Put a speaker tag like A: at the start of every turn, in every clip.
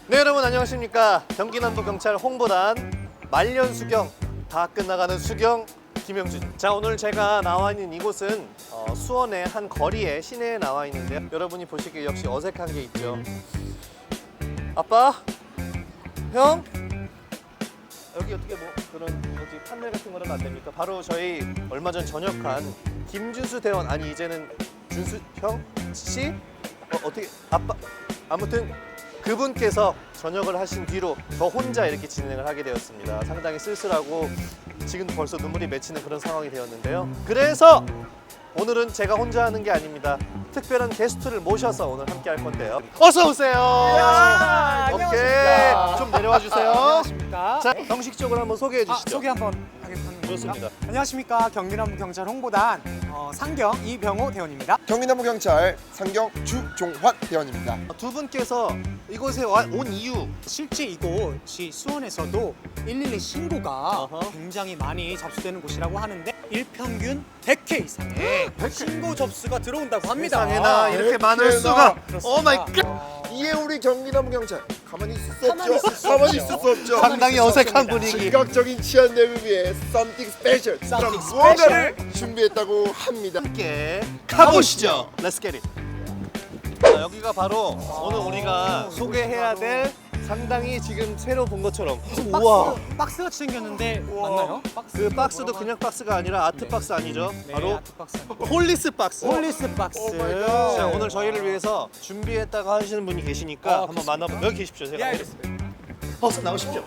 A: 네, 여러분 안녕하십니까. 경기남부경찰 홍보단 말년 수경 다 끝나가는 수경 김영준. 자, 오늘 제가 나와 있는 이곳은 수원의 한 거리에 시내에 나와 있는데요. 여러분이 보시기에 역시 어색한 게 있죠. 아빠? 형? 여기 어떻게 뭐 그런 뭐지 판넬 같은 거는 안 됩니까? 바로 저희 얼마 전 전역한 김준수 대원, 아니 이제는 준수 형 씨? 어떻게 아빠 아무튼 그분께서 전역을 하신 뒤로 저 혼자 이렇게 진행을 하게 되었습니다. 상당히 쓸쓸하고 지금 벌써 눈물이 맺히는 그런 상황이 되었는데요. 그래서 오늘은 제가 혼자 하는 게 아닙니다. 특별한 게스트를 모셔서 오늘 함께 할 건데요. 어서 오세요. 오케이, 좀 내려와 주세요.
B: 안녕하십니까.
A: 자, 형식적으로 한번 소개해 주시죠.
B: 소개 한번 하겠습니다.
A: 좋습니다.
B: 안녕하십니까. 경기남부경찰 홍보단 상경 이병호 대원입니다.
C: 경기남부경찰 상경 주종환 대원입니다.
A: 두 분께서 이곳에 온 이유.
B: 실제 이곳이 수원에서도 112 신고가
A: 어허.
B: 굉장히 많이 접수되는 곳이라고 하는데 일평균 100회 이상의 신고 접수가 들어온다고 합니다.
A: 세상에나 이렇게 많을
C: 그렇구나.
A: 수가.
B: 그렇습니다.
A: 오 마이 갓.
C: 이에 우리 경기남부경찰 가만히 있을 수
B: 가만히
C: 없죠.
B: 있을 수
C: 가만히
B: 없죠.
C: 있을 수 없죠.
A: 상당히 어색한 분위기.
C: 즉각적인 치안 내부 위해 썸띵 스페셜
B: Something
C: 그런 무언가를 준비했다고 합니다.
A: 함께 가보시죠. Let's get it. 자, 여기가 바로 오늘 우리가 소개해야 될 상당히 지금 새로 본 것처럼
B: 박스 같이 생겼는데 맞나요? 박스.
A: 그 박스도 그냥 박스가 아니라 아트 박스 아니죠?
B: 네,
A: 바로
B: 아트 박스.
A: 폴리스 박스.
B: 폴리스 박스.
C: 오 마이 갓.
A: 자, 오늘 저희를 위해서 준비했다고 하시는 분이 계시니까 한번 만나보. 여기 계십시오. 제가.
B: 예, 알겠습니다.
A: 어서 나오십시오.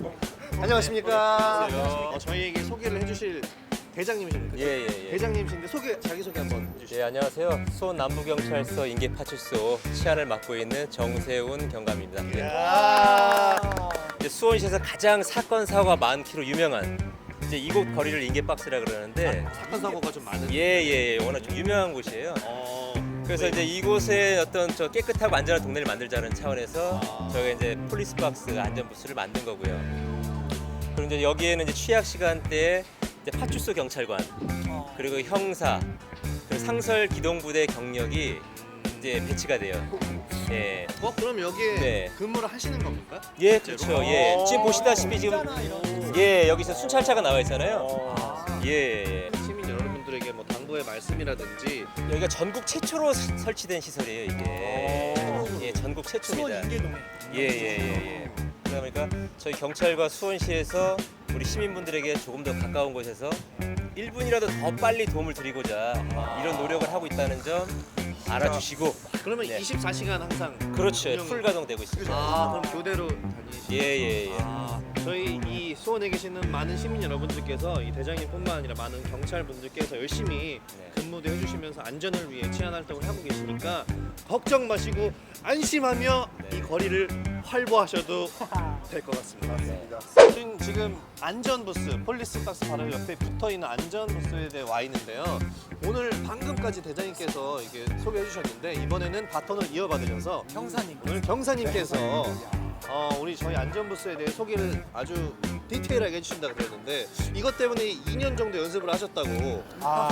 A: 안녕하십니까. 저희에게 소개를 해주실 대장님이십니까?
D: 예.
A: 대장님이신데 자기 소개 한번 해주시죠.
D: 예, 안녕하세요. 수원 남부경찰서 인계파출소 치안을 맡고 있는 정세훈 경감입니다. 예.
A: 야.
D: 이제 수원시에서 가장 사건 사고가 많기로 유명한 이제 이곳 거리를 인계박스라 그러는데
A: 사건 사고가 좀 많은.
D: 예, 워낙 좀 유명한 곳이에요. 그래서 이제 이곳에 어떤 저 깨끗하고 안전한 동네를 만들자는 차원에서 저희가 이제 폴리스 박스 안전 부스를 만든 거고요. 그리고 이제 여기에는 이제 취약 시간대에 이제 파출소 경찰관 그리고 형사 그리고 상설 기동부대 경력이 이제 배치가 돼요. 예.
A: 그럼 여기에
D: 네.
A: 근무를 하시는 겁니까?
D: 예, 그렇죠. 예. 지금 보시다시피 지금 예, 여기서 순찰차가 나와 있잖아요. 예.
A: 시민 여러분들에게 뭐 당부의 말씀이라든지.
D: 여기가 전국 최초로 설치된 시설이에요, 이게. 예, 전국 최초입니다.
B: 수원 인계동에.
D: 예. 그러다 보니까 저희 경찰과 수원시에서 우리 시민분들에게 조금 더 가까운 곳에서 1분이라도 더 빨리 도움을 드리고자 이런 노력을 하고 있다는 점 알아주시고.
A: 그러면
D: 네.
A: 24시간 항상.
D: 그렇죠.
A: 운영-
D: 풀 가동되고 있습니다.
A: 그럼 교대로 다니시죠?
D: 예.
A: 저희 이 수원에 계시는 많은 시민 여러분들께서 이 대장님뿐만 아니라 많은 경찰분들께서 열심히
D: 네.
A: 근무도 해주시면서 안전을 위해 치안 활동을 하고 계시니까 걱정 마시고 안심하며
D: 네.
A: 이 거리를 활보하셔도 될 것 같습니다. 지금 안전부스, 폴리스 박스 바로 옆에 붙어있는 안전부스에 대해 와 있는데요. 오늘 방금까지 대장님께서 이게 소개해 주셨는데 이번에는 바톤을 이어받으셔서
B: 형사님.
A: 오늘 경사님께서 우리 저희 안전부스에 대해 소개를 아주 디테일하게 해주신다고 그랬는데 이것 때문에 2년 정도 연습을 하셨다고.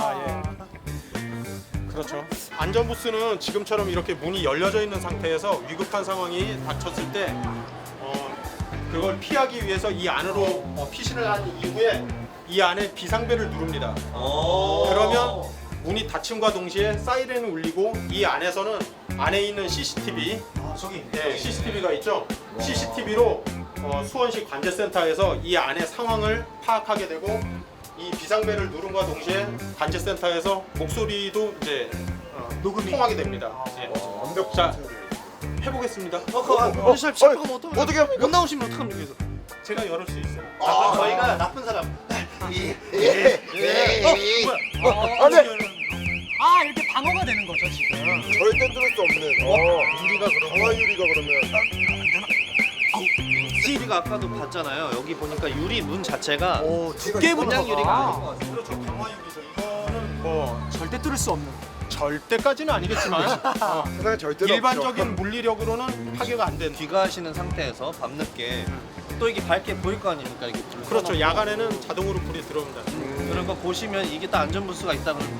E: 그렇죠. 안전부스는 지금처럼 이렇게 문이 열려져 있는 상태에서 위급한 상황이 닥쳤을 때 그걸 피하기 위해서 이 안으로 피신을 한 이후에 이 안에 비상벨을 누릅니다. 그러면 문이 닫힘과 동시에 사이렌이 울리고 이 안에서는 안에 있는 CCTV, CCTV가 있죠. CCTV로 수원시 관제센터에서 이 안의 상황을 파악하게 되고 이 비상벨을 누름과 동시에 관제센터에서 목소리도 이제 녹음이 통하게 됩니다.
C: 완벽.
E: 자, 해보겠습니다.
A: 샵 가면
C: 어떻게 합니까?
A: 못 나오시면 어떡합니까? 그래서.
E: 제가 열을 수 있어요.
A: 그럼 저희가 나쁜 사람.
C: 안돼.
B: 이렇게 방어가 되는 거죠, 지금.
C: 절대 뚫을 수 없는. 유리가 강화 유리가 그러면.
A: 우리가 아까도 봤잖아요. 여기 보니까 유리 문 자체가
C: 두께
A: 그냥 유리가 아닌 것 같아요.
E: 그렇죠. 강화 유리죠. 이거는 뭐
B: 절대 뚫을 수 없는.
E: 절대까지는 아니겠지만
C: 세상에 절대로
E: 일반적인 물리력으로는 파괴가 안 되는.
A: 귀가하시는 상태에서 밤늦게 또 이게 밝게 보일 거 아닙니까? 이게 불
E: 그렇죠.
A: 켜놓고.
E: 야간에는 자동으로 불이 들어옵니다.
A: 그런 거 보시면 이게 딱 안전부스가 있다 그러면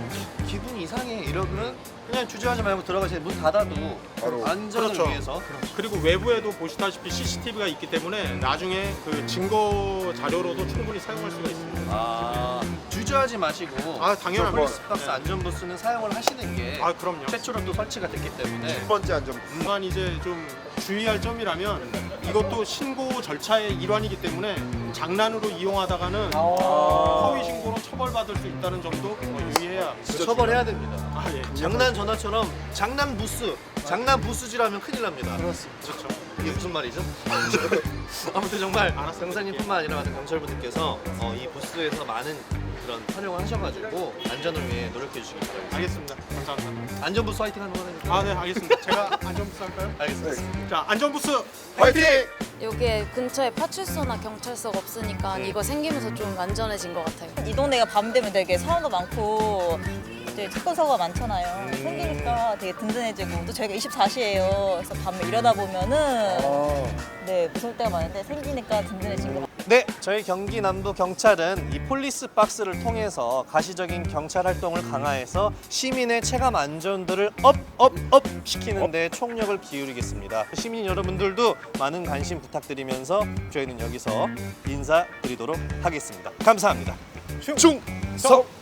A: 기분이 이상해 이러면 그냥 주저하지 말고 들어가세요. 문 닫아도
C: 바로.
A: 안전을
E: 그렇죠.
A: 위해서.
E: 그리고 외부에도 보시다시피 CCTV가 있기 때문에 나중에 그 증거 자료로도 충분히 사용할 수가 있습니다.
A: 아, 주저하지 마시고
E: 아, 당연한
A: 폴리스박스
E: 거. 네.
A: 안전부스는 사용을 하시는 게
E: 아, 그럼요.
A: 최초로 또 설치가 됐기 때문에
C: 첫 번째 안전부스.
E: 다만 이제 좀 주의할 점이라면 이것도 신고 절차의 일환이기 때문에 장난으로 이용하다가는 허위 신고로 처벌받을 수 있다는 점도 유의해야.
A: 처벌해야 됩니다.
E: 아, 예.
A: 장난 전화처럼 장난 부스, 장난 부스지라면 큰일 납니다.
E: 그렇습니다. 그렇죠.
A: 이게 무슨 말이죠? 아무튼 정말
E: 알았습니다.
A: 병사님뿐만 아니라 많은 경찰분들께서 이 부스에서 많은 그런 활용을 하셔가지고 안전을 위해 노력해 주시기 바랍니다.
E: 알겠습니다. 감사합니다.
A: 안전부스 화이팅 하는 거니까.
E: 아, 네, 알겠습니다. 제가 안전부스 할까요?
A: 알겠습니다.
E: 자, 안전부스
C: 화이팅!
F: 여기에 근처에 파출소나 경찰서가 없으니까 이거 생기면서 좀 안전해진 것 같아요.
G: 이 동네가 밤 되면 되게 사고가 많고 이제 사건 사고가 많잖아요. 생기니까 되게 든든해지고 또 저희가 24시예요. 그래서 밤에 일하다 보면은 네 무서울 때가 많은데 생기니까 든든해진 것 같아요.
A: 네, 저희 경기 남부 경찰은 이 폴리스 박스를 통해서 가시적인 경찰 활동을 강화해서 시민의 체감 안전도를 업 시키는 데 총력을 기울이겠습니다. 시민 여러분들도 많은 관심 부탁드리면서 저희는 여기서 인사드리도록 하겠습니다. 감사합니다. 충성!